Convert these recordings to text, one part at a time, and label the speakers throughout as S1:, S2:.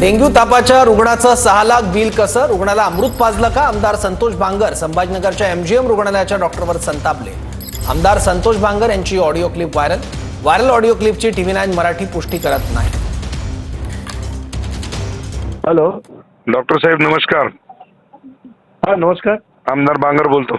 S1: Dengue तापाच्या रुग्णाचं 6 lakh bill कसं? रुग्णाला अमृत पाजलं का? आमदार संतोष बांगर संभाजीनगरच्या एमजीएम रुग्णालयाच्या डॉक्टरवर संतापले। आमदार संतोष बांगर यांची ऑडिओ क्लिप व्हायरल ऑडिओ क्लिपची TV9 मराठी पुष्टी करत नाही।
S2: हॅलो
S3: डॉक्टर साहेब नमस्कार।
S2: हा नमस्कार।
S3: आमदार बांगर बोलतो।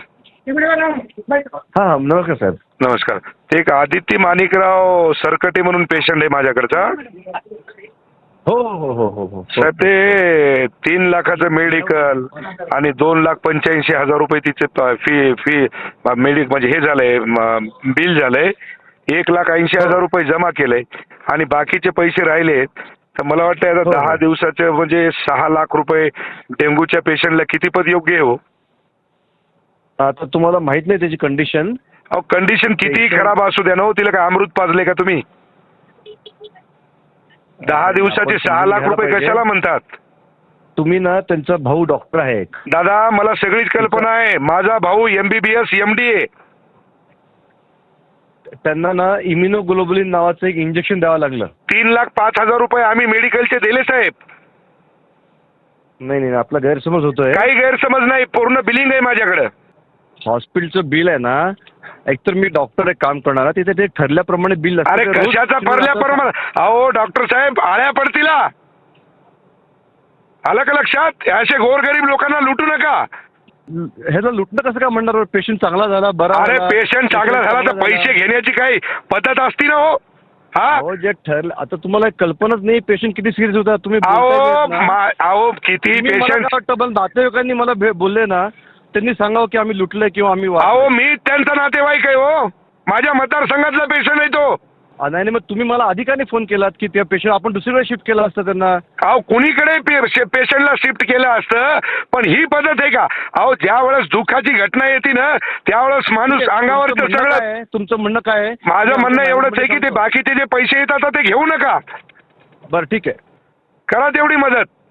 S2: हा नमस्कार साहेब।
S3: नमस्कार। ते एक आदित्य माणिकराव सरकटे म्हणून पेशंट आहे माझ्याकडचा।
S2: हो हो हो हो हो
S3: साहेब ते 3 लाखाचं मेडिकल आणि 2,85,000 रुपये तिचे फी मेडिक म्हणजे हे झालंय बिल झालंय। 1,80,000 रुपये जमा केलंय आणि बाकीचे पैसे राहिले। तर मला वाटतं आता 10 दिवसाचे म्हणजे 6 लाख रुपये डेंग्यूच्या पेशंटला किती पद योग्य आहे हो?
S2: आता तुम्हाला माहित नाही त्याची कंडिशन?
S3: अहो कंडिशन कितीही खराब असू द्या ना, तिला काय अमृत पाजले का तुम्ही? 10 दिवसाचे 6 लाख रुपये कशाला म्हणतात
S2: तुम्ही? ना त्यांचा भाऊ डॉक्टर आहे
S3: दादा, मला सगळीच कल्पना आहे। माझा भाऊ MBBS MD आहे।
S2: त्यांना ना इम्युनोग्लोबुलिन नावाचं एक इंजेक्शन द्यावं लागलं।
S3: 3,05,000 रुपये आम्ही मेडिकलचे दिले साहेब।
S2: नाही नाही आपला गैरसमज होतोय।
S3: काही गैरसमज नाही, पूर्ण बिलिंग आहे माझ्याकडे।
S2: हॉस्पिटलचं बिल आहे ना, एकतर मी डॉक्टर एक काम करणार तिथे ते ठरल्याप्रमाणे बिल असतं।
S3: अरे कशाचा ठरल्याप्रमाणे? अहो डॉक्टर साहेब आळ्या पडतील। आलं का लक्षात? असे गोरगरीब लोकांना लुटू नका।
S2: ह्याला लुटणं कसं काय म्हणणार? पेशंट चांगला झाला बरा।
S3: अरे पेशंट चांगला झाला तर पैसे घेण्याची काही पद्धत असती ना हो?
S2: हा जे ठरलं आता तुम्हाला कल्पनाच नाही पेशंट किती सिरियस होता। तुम्ही
S3: अहो किती पेशंट
S2: नातेवाईकांनी मला बोलले ना, त्यांनी सांगावं की आम्ही लुटलंय किंवा आम्ही
S3: अहो मी त्यांचा नातेवाईक आहे हो। माझ्या मतदारसंघातला पेशंट आहे तो।
S2: नाही मग तुम्ही मला अधिकाने फोन केलात की त्या पेशंट आपण दुसरीकडे शिफ्ट केलं असतं त्यांना।
S3: अहो कुणीकडे पेशंटला शिफ्ट केलं असतं, पण ही पद्धत आहे का? अहो ज्या वेळेस दुःखाची घटना येते ना त्यावेळेस माणूस अंगावर सगळं।
S2: तुमचं म्हणणं काय आहे?
S3: माझं म्हणणं एवढंच आहे की ते बाकीचे जे पैसे येतात ते घेऊ नका।
S2: बरं ठीक आहे,
S3: करा तेवढी मदत।